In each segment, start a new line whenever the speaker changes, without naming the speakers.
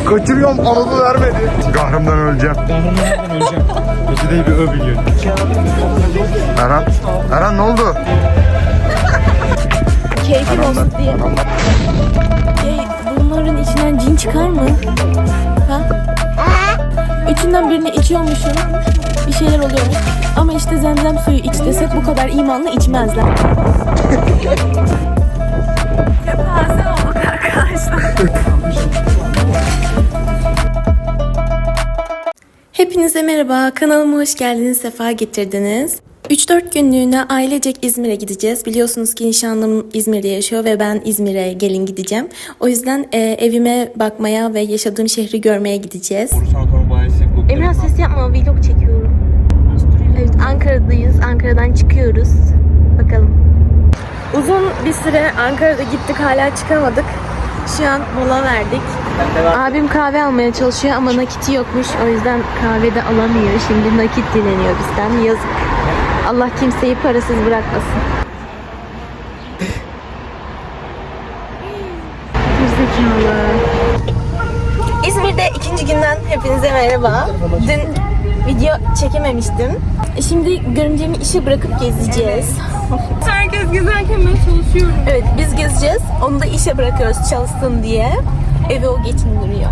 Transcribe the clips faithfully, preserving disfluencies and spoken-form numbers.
Kaçırıyorum, anadolu vermedi. Kahrımdan öleceğim.
Kahrımdan öleceğim. Ötü değil bir ö biliyorum.
Erhan, Erhan ne oldu?
Keyfim olsun diye. Hey, bunların içinden cin çıkar mı? Ha? Üçünden birini içiyormuşum. Bir şeyler oluyormuş. Ama işte zemzem suyu iç desek bu kadar imanlı içmezler. Kepaze olduk arkadaşlar. Hepinize merhaba. Kanalıma hoş geldiniz. Sefa getirdiniz. üç dört günlüğüne ailecek İzmir'e gideceğiz. Biliyorsunuz ki nişanlım İzmir'de yaşıyor ve ben İzmir'e gelin gideceğim. O yüzden e, evime bakmaya ve yaşadığım şehri görmeye gideceğiz. Emrah ses yapma, vlog çekiyorum. Evet, Ankara'dayız. Ankara'dan çıkıyoruz. Bakalım. Uzun bir süre Ankara'da gittik, hala çıkamadık. Şu an mola verdik. Abim kahve almaya çalışıyor ama nakiti yokmuş. O yüzden kahve de alamıyor. Şimdi nakit dileniyor bizden. Yazık. Allah kimseyi parasız bırakmasın. Gerizekalı. İzmir'de ikinci günden hepinize merhaba. Dün video çekememiştim. Şimdi görümcemi işe bırakıp gezeceğiz.
Herkes gezerken ben çalışıyorum.
Evet, biz gezeceğiz. Onu da işe bırakıyoruz çalışsın diye. Evi o geçindiriyor.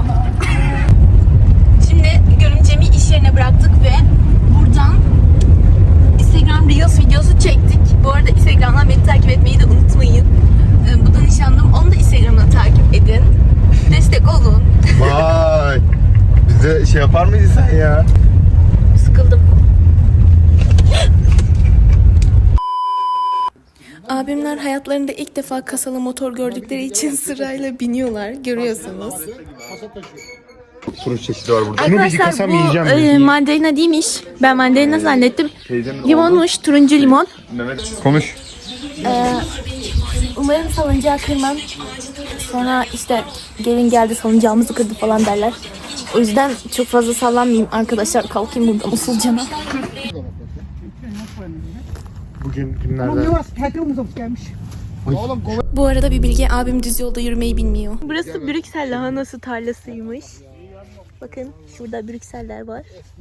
Şimdi görümcemi iş yerine bıraktık ve buradan Instagram Reels videosu çektik. Bu arada Instagram'dan beni takip etmeyi de unutmayın. Bu da nişanlım. Onu da Instagram'dan takip edin. Destek olun.
Vay. Bize şey yapar mıydın sen ya?
Sıkıldım. Abimler hayatlarında ilk defa kasalı motor gördükleri için sırayla biniyorlar. Görüyorsunuz.
Turun çeşidi var burada.
Arkadaşlar bu e, mandalina değilmiş. Ben mandalina zannettim. Limonmuş, turuncu limon.
Mehmet konuş.
Ee, umarım salıncağı kırmam. Sonra işte gelin geldi salıncağımızı kırdı falan derler. O yüzden çok fazla sallanmayayım arkadaşlar. Kalkayım buradan usulcana.
Bugün günlerden.
Bu arada bir bilgi, abim düz yolda yürümeyi bilmiyor. Burası Brüksel lahanası tarlasıymış. Bakın şurada Brükseller var.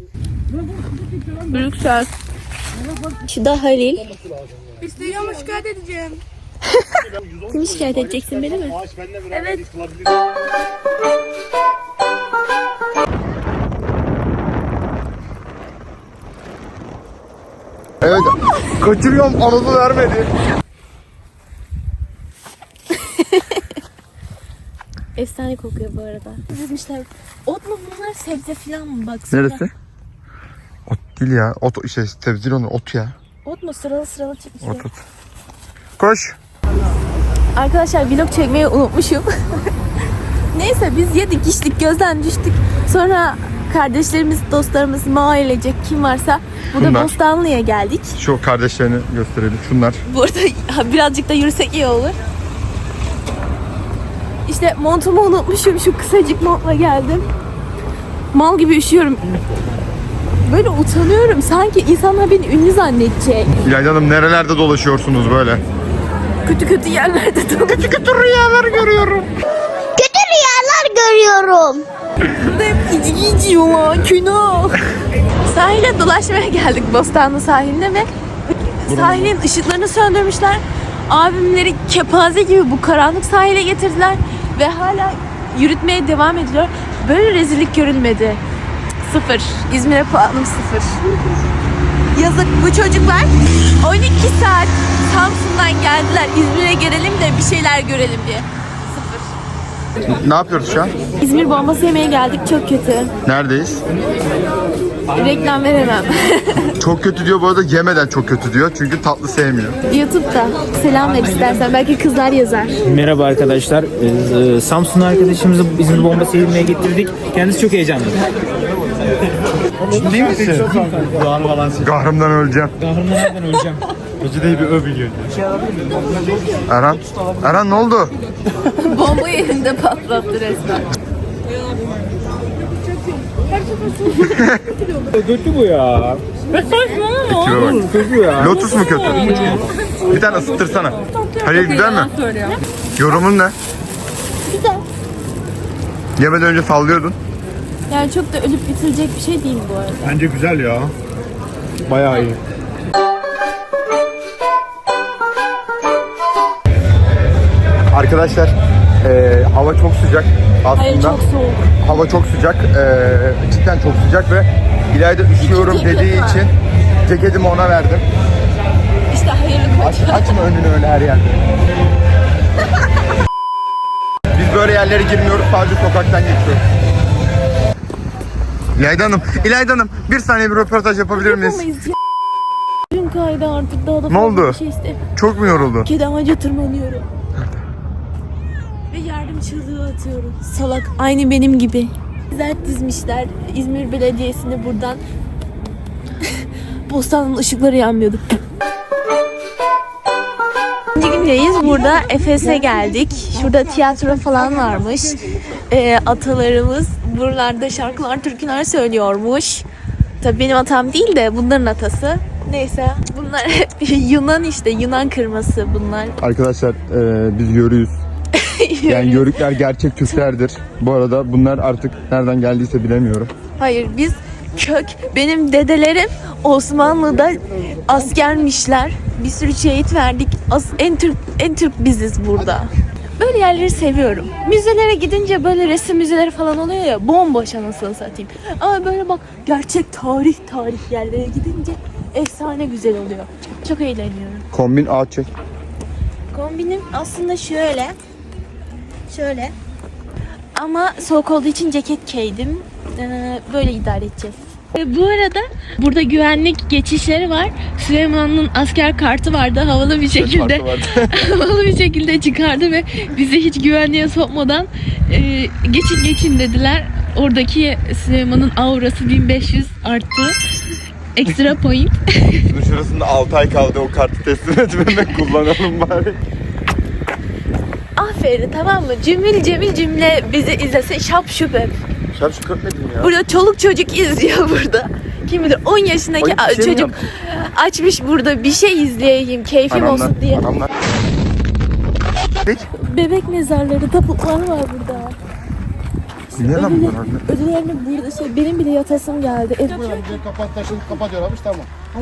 Brüksel. Şu da Halil.
İstediğimi şikayet edeceğim.
Kimi şikayet edeceksin, beni mi?
Evet.
Evet. Kaçırıyorum, anadolu vermedi.
Efsane kokuyor bu arada. Dizmişler. Ot mu bunlar, sebze falan mı? Baksana.
Neresi? Ot değil ya. Ot şey sebze değil onlar. Ot ya.
Ot mu? Sıralı sıralı çıkmış.
Ot ot. Koş.
Arkadaşlar vlog çekmeyi unutmuşum. Neyse biz yedik içtik, gözden düştük. Sonra kardeşlerimiz, dostlarımız, ailecek kim varsa burada
Bunlar.
Bostanlı'ya geldik.
Şu kardeşlerini gösterelim. Şunlar.
Bu arada birazcık da yürüsek iyi olur. İşte montumu unutmuşum. Şu kısacık montla geldim. Mal gibi üşüyorum. Böyle utanıyorum. Sanki insanlar beni ünlü zannedecek.
İlayda Hanım, nerelerde dolaşıyorsunuz böyle?
Kötü kötü yerlerde dolaşıyorum.
Kötü kötü rüyalar görüyorum.
Kötü rüyalar görüyorum.
Burada hep içki içiyorlar. Günah. Sahile dolaşmaya geldik, Bostanlı sahiline ve sahilin ışıklarını söndürmüşler. Abimleri kepaze gibi bu karanlık sahile getirdiler ve hala yürütmeye devam ediyor. Böyle rezillik görülmedi. Sıfır. İzmir'e puanım sıfır. Yazık, bu çocuklar on iki saat Samsun'dan geldiler. İzmir'e gelelim de bir şeyler görelim diye. Sıfır.
Ne yapıyoruz şu an?
İzmir bombası yemeye geldik. Çok kötü.
Neredeyiz?
Reklam veremem.
Çok kötü diyor bu arada, yemeden çok kötü diyor. Çünkü tatlı sevmiyor.
YouTube'da. Selam ver istersen. Belki kızlar yazar.
Merhaba arkadaşlar. Ee, Samsun arkadaşımızı İzmir bombası yemeye getirdik. Kendisi çok heyecanlı.
Ciddi misin? Kahrımdan öleceğim.
Kahrımdan öleceğim. Ötü değil bir ö biliyorum.
Erhan, Erhan ne oldu?
Bomba yerinde patlattı resmen.
Kötü bu ya.
Tipe bak.
Kötü ya.
Lotus mu kötü? Bir tane ısıttırsana. Hayır, güzel mi? Yorumun ne? Yemeden önce sallıyordun.
Yani çok da ölüp bitirecek bir şey değil bu arada.
Bence güzel ya. Bayağı iyi.
Arkadaşlar e, hava çok sıcak aslında.
Hayır, çok soğuk.
Hava çok sıcak. E, cidden çok sıcak ve İlayda üşüyorum
ceket
dediği
var.
için ceketimi ona verdim.
İşte hayırlı
Aç, açma önünü öyle her yerde. Biz böyle yerlere girmiyoruz, sadece sokaktan geçiyoruz. İlayda Hanım, İlayda Hanım bir saniye bir röportaj yapabilir miyiz?
Yapamayız ya. Gün kaydı artık daha da
Ne
fazla
oldu?
bir şey istemiyorum.
Çok mu yoruldu?
Kedi ağaca tırmanıyorum. Ve yardım çığlığı atıyorum. Salak. Aynı benim gibi. Güzel dizmişler. İzmir Belediyesi'ni buradan. Postanın ışıkları yanmıyordu. İkinci gündeyiz. Burada Efes'e geldik. Şurada tiyatro falan varmış. Ee, atalarımız buralarda şarkılar, türküler söylüyormuş. Tabii benim atam değil de bunların atası. Neyse bunlar hep Yunan işte. Yunan kırması bunlar.
Arkadaşlar e, biz yörüyüz. Yani yörükler gerçek Türklerdir. Bu arada bunlar artık nereden geldiyse bilemiyorum.
Hayır biz kök. Benim dedelerim Osmanlı'da askermişler. Bir sürü şehit verdik. As, en Türk en Türk biziz burada. Böyle yerleri seviyorum. Müzelere gidince böyle resim müzeleri falan oluyor ya, bomboş anasını satayım. Ama böyle bak gerçek tarih tarih yerlere gidince efsane güzel oluyor. Çok eğleniyorum.
Kombin ağaç çek.
Kombinim aslında şöyle. Şöyle. Ama soğuk olduğu için ceket giydim. Ee, böyle idare edeceğiz. Bu arada burada güvenlik geçişleri var. Süleyman'ın asker kartı vardı. Havalı bir şekilde havalı bir şekilde çıkardı ve bizi hiç güvenliğe sokmadan e, geçin geçin dediler. Oradaki Süleyman'ın aurası bin beş yüz arttı. Ekstra point.
Şurasında altı ay kaldı, o kartı teslim etmemek, kullanalım bari.
Aferin, tamam mı? Cümle cemil cümle bizi izlese şap şüphe.
Şap şu köpmedim ya.
Burada çoluk çocuk izliyor burada. Kim bilir on yaşındaki
Ay, bir şey mi
çocuk
yaptın?
açmış burada bir şey izleyeyim, keyfim
Anamlar,
olsun diye.
anamlar. Geç.
Bebek mezarları, taputlar var burada.
Niye lan
Ödül,
bunlar?
ödüllerini burada şey, benim bile yatasım geldi. Ev
Kapat taşını kapat diyorlarmış, tamam.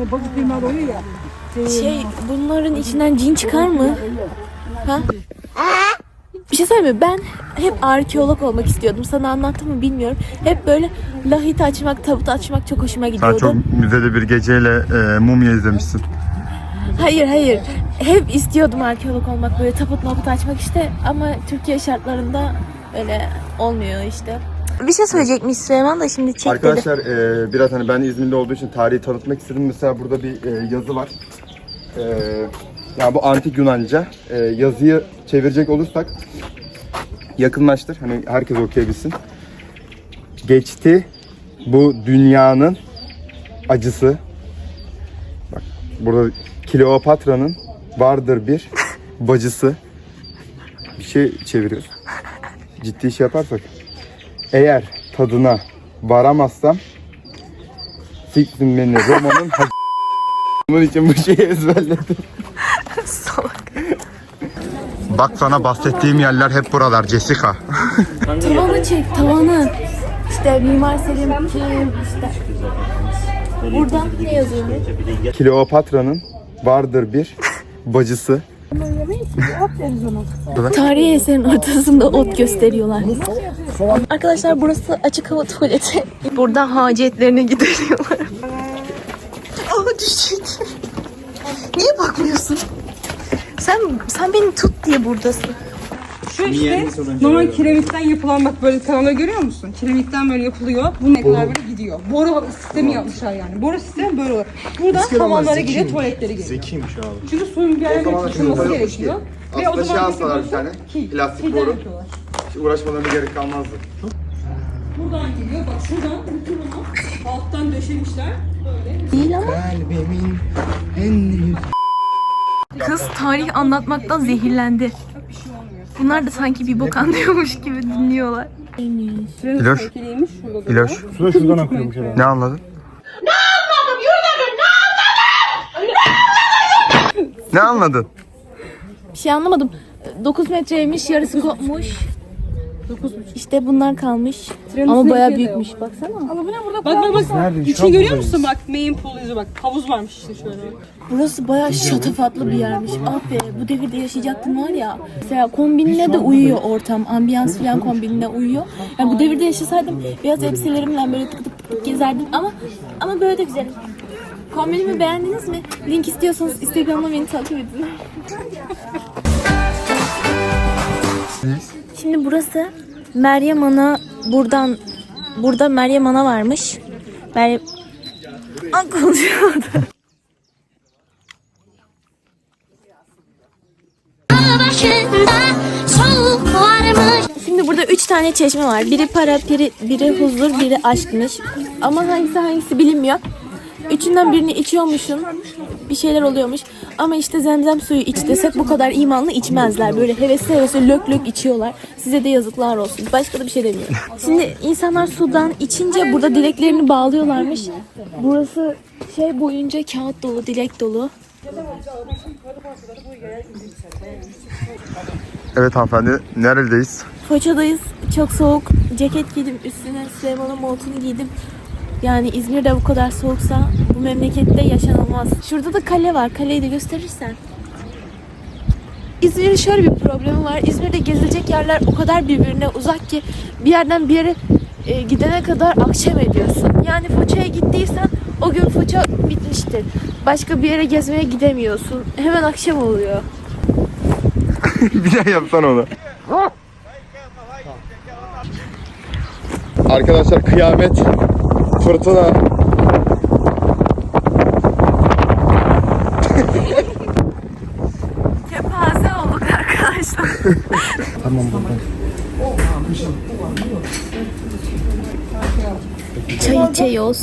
şey, bunların içinden cin çıkar mı? Ha? Bir şey söyleyeyim mi? Ben hep arkeolog olmak istiyordum. Sana anlattım mı bilmiyorum. Hep böyle lahit açmak, tabut açmak çok hoşuma
Sen
gidiyordu.
çok müzede bir geceyle e, mumya izlemişsin.
Hayır hayır. Hep istiyordum arkeolog olmak, böyle taput maput açmak işte. Ama Türkiye şartlarında öyle olmuyor işte. Bir şey söyleyecekmiş Süleyman da şimdi çek dedi.
Arkadaşlar e, biraz hani ben İzmirli olduğu için tarihi tanıtmak istedim. Mesela burada bir e, yazı var. E, yani bu antik Yunanca. E, yazıyı çevirecek olursak yakınlaştır. Hani herkes okuyabilsin. Geçti bu dünyanın acısı. Bak burada Kleopatra'nın vardır bir bacısı. Bir şey çeviriyoruz. Ciddi iş yaparsak. Eğer tadına varamazsam siktin beni Roma'nın ha- bunun için bu şeyi ezberledim.
Salak.
Bak sana bahsettiğim yerler hep buralar Jessica.
Tavanı çek, tavanı. İşte Mimar Selim kim işte. Burada ne yazıyor?
Kleopatra'nın vardır bir bacısı.
Tarihi eserin ortasında ot gösteriyorlar. Arkadaşlar burası açık hava tuvaleti. Buradan hacetlerini gideriyorlar. Aa düşecek. Niye bakmıyorsun? Sen sen beni tut diye buradasın.
Şu işte normal kiremitten yapılan, bak böyle kanalları görüyor musun? Kiremitten böyle yapılıyor. Bu ne kadar böyle gidiyor. Boru sistemi yapmışlar yani. Boru sistemi böyle olur. Buradan hamamlara gidiyor, tuvaletlere gidiyor.
Zekiymiş abi.
Çünkü suyun bir yerine taşınması gerekiyor. Ve o
Aslında şey
zaman
alsalar bir tane,
ki,
plastik
kilden
boru.
yapıyorlar.
Hiç uğraşmalarına gerek kalmazdı.
Buradan geliyor, bak şuradan bütün onu alttan döşemişler. Böyle.
Değil ama. Kız tarih anlatmaktan zehirlendi. Bunlar da sanki bir bok anlıyormuş gibi dinliyorlar.
İloş,
Keliymiş şurada.
İloş.
Su da şuradan akıyormuş herhalde.
Ne anladın? Ne anladım? Yürüdüm, ne anladın? Ne anladın?
Bir şey anlamadım. dokuz metreymiş, yarısı kopmuş. İşte bunlar kalmış.
Trenin
Ama
üstüne
bayağı
gidiyor da
büyükmüş baksana.
Ama bu ne burada? Bak bak bak.
Nerede? Şu
İçini
an
görüyor
buradayız.
musun bak? Main pool yüzü bak. Havuz varmış işte şöyle.
Burası bayağı şatafatlı bir yermiş. Ah be, bu devirde yaşayacaktım var ya. Mesela kombinle de uyuyor ortam. Ambiyans falan kombinle uyuyor. Yani bu devirde yaşasaydım beyaz elbiselerimle böyle tık tık tık tık gezerdim ama ama böyle de güzel. Kombinimi beğendiniz mi? Link istiyorsanız Instagram'da beni takip edin. Şimdi burası Meryem Ana, buradan burada Meryem Ana varmış. Meryem An konuşuyordu.
Başında soğuk varmış.
Şimdi burada üç tane çeşme var. Biri para, biri, biri huzur, biri aşkmış. Ama hangisi hangisi bilinmiyor. Üçünden birini içiyormuşsun. Bir şeyler oluyormuş. Ama işte zemzem suyu iç desek bu kadar imanlı içmezler. Böyle hevesli hevesli lök lök içiyorlar. Size de yazıklar olsun. Başka da bir şey demiyorum. Şimdi insanlar sudan içince burada dileklerini bağlıyorlarmış. Burası şey boyunca kağıt dolu, dilek dolu.
Evet hanımefendi, neredeyiz?
Foça'dayız. Çok soğuk. Ceket giydim. Üstüne Süleyman'ın montunu giydim. Yani İzmir'de bu kadar soğuksa bu memlekette yaşanılmaz. Şurada da kale var. Kaleyi de gösterirsen. İzmir'in şöyle bir problemi var. İzmir'de gezilecek yerler o kadar birbirine uzak ki bir yerden bir yere e, gidene kadar akşam ediyorsun. Yani Foça'ya gittiysen o gün Foça bitmiştir. Başka bir yere gezmeye gidemiyorsun. Hemen akşam oluyor.
Bir daha yapsan onu. Arkadaşlar kıyamet, fırtına.
Kepaze olduk arkadaşlar.
Tamam bakalım.
Çay içiyoruz.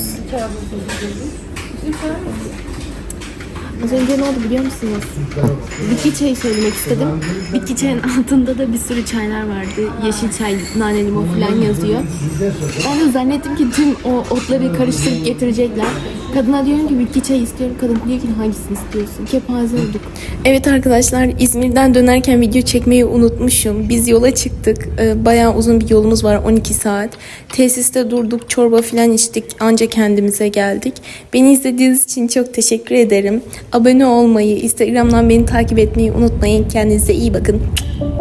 Az önce ne oldu biliyor musunuz? Bitki çayı söylemek istedim. Bitki çayın altında da bir sürü çaylar vardı. Yeşil çay, nane, limon falan yazıyor. Ben de zannettim ki tüm o otları karıştırıp getirecekler. Kadına diyorum ki bitki çayı istiyorum. Kadın diyor ki hangisini istiyorsun? Kepaze olduk. Evet arkadaşlar, İzmir'den dönerken video çekmeyi unutmuşum. Biz yola çıktık. Ee, bayağı uzun bir yolumuz var, on iki saat. Tesiste durduk, çorba falan içtik. Anca kendimize geldik. Beni izlediğiniz için çok teşekkür ederim. Abone olmayı, Instagram'dan beni takip etmeyi unutmayın. Kendinize iyi bakın.